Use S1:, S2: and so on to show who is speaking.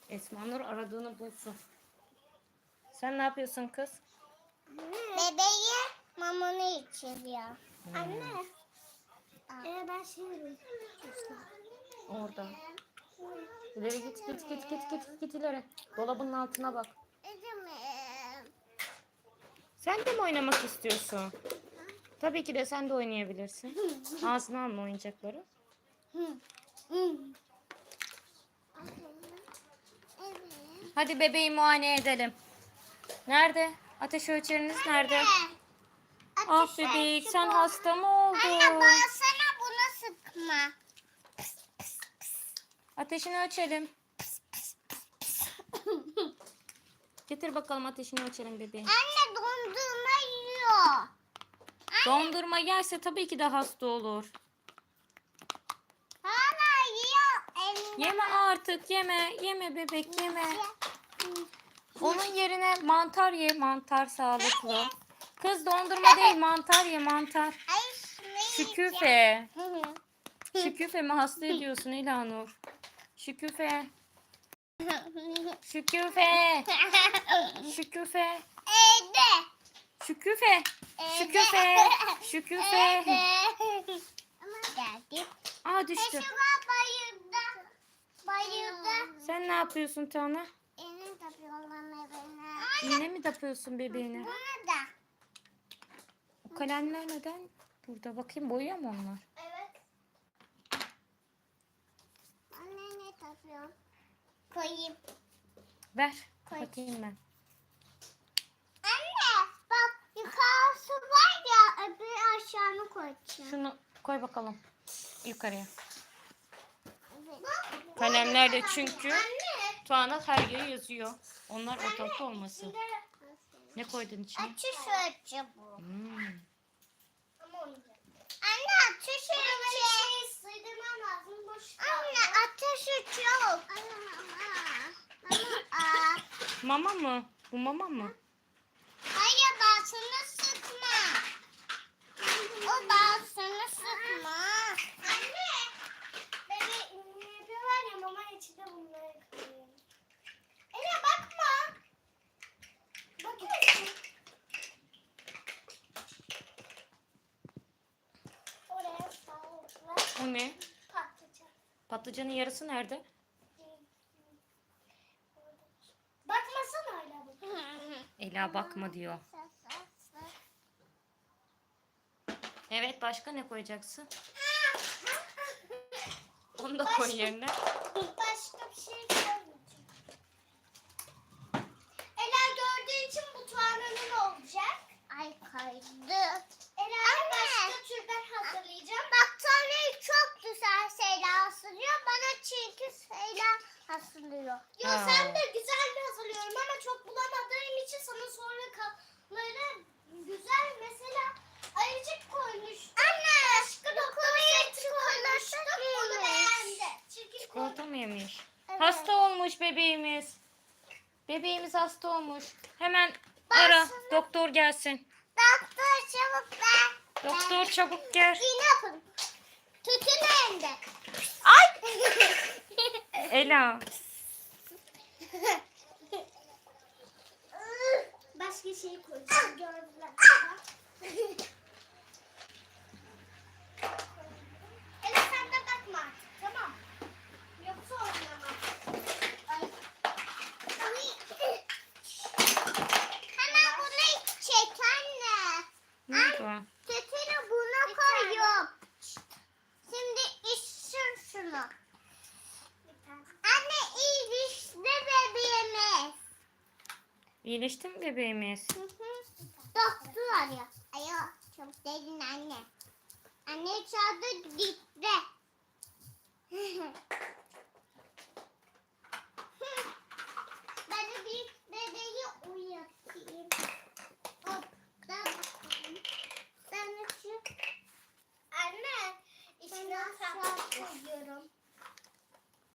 S1: Esma Nur aradığını bulsun. Sen ne yapıyorsun kız?
S2: Bebeği mamanı içiriyor. Anne. Ben şimdi
S1: Orada. İleri git ileri. Dolabın altına bak. Sen de mi oynamak istiyorsun? Tabii ki de sen de oynayabilirsin. Ağzına alma oyuncakları. Hadi bebeği muayene edelim. Nerede? Ateş ölçeriniz nerede? Ah bebek sen hasta mı oldun?
S2: Anne bağırsana buna sıkma.
S1: Ateşini ölçelim. Getir bakalım ateşini ölçelim bebeğin.
S2: Anne dondurma yiyor.
S1: Dondurma yerse tabii ki de hasta olur.
S2: Hala yiyor. Elinde.
S1: Yeme artık yeme. Yeme bebek yeme. Onun yerine mantar ye. Mantar sağlıklı. Kız dondurma değil mantar ye mantar.
S2: Ay şunu
S1: Şüküfe. Şüküfe mi hasta ediyorsun İlhanur? Şüküfe. Şüküfe. Şüküfe.
S2: Evde.
S1: Şüküfe. Şüküfe. Şüküfe.
S2: Ama geldi.
S1: Aa düştü.
S2: Şuna bayıldı. Bayıldı.
S1: Sen ne yapıyorsun Tana?
S2: Elini tapıyorlar evine.
S1: İğne mi tapıyorsun bebeğine?
S2: Buna da.
S1: O kalemler neden burada? Bakayım boyuyor mu onlar?
S2: Evet. Anne ne tapıyorsun? Koyayım.
S1: Ver. Bakayım ben.
S2: Anne bak yukarısı var ya öbür aşağını koyacağım.
S1: Şunu koy bakalım yukarıya.
S2: Evet.
S1: Kalemler de çünkü
S2: Anne.
S1: Tuana her yere yazıyor. Onlar ortalıkta olmasın. Ne koydun içine?
S2: Açış ölçü bu.
S1: Hmm.
S2: Anne ateş ölçü. Sığdırmam lazım boşta. Anne ateş ölçü yok.
S1: Mama mı? Bu mama mı?
S2: Hayır bağırsana sıkma. O bağırsana sıkma. Anne. Bebe var ya mama içinde bunları koyuyor. Ela bakma. Bakıyorsun. Oraya sağlıkla
S1: O ne?
S2: patlıcan.
S1: Patlıcanın yarısı nerede?
S2: Bakmasana öyle bu.
S1: Ela bakma diyor. Evet başka ne koyacaksın? Onu da koy yerine.
S2: Başka bir şey koymayacağım. Ela gördüğü için bu Tuana'nın olacak. Ay kaydı. Ela başka türden hazırlayacağım. Bak Tuana'yı çok güzel şeyler hazırlıyor. Bana çirkin şeyler hazırlıyor. Yo
S1: Ha.
S2: sen de güzel hazırlıyorum ama çok bulamadığım için sana sonra kalanları güzel mesela ayıcık koymuş. Anne. Başka dokunmaya koymuştum. Onu beğendi. Çirkin
S1: Çikolata mı yemiş?
S2: Evet.
S1: Hasta olmuş bebeğimiz. Bebeğimiz hasta olmuş. Hemen ara doktor gelsin.
S2: Doktor çabuk ver.
S1: Doktor çabuk gel.
S2: İğne yapın. Tütün elinde.
S1: Ay! Ela.
S2: Başka şey koyacağım. Gördüler. Ela sen de bakma artık. Tamam. Yoksa oynamam. Ay. Hemen bunu çek anne.
S1: Ne oldu?
S2: Tütünü buna koyuyorum. Şimdi içsin şunu. Anne iyileşti bebeğimiz.
S1: İyileşti mi bebeğimiz?
S2: Doktor arıyor. Ayo çok dedin anne. Anne çağırdı gitti.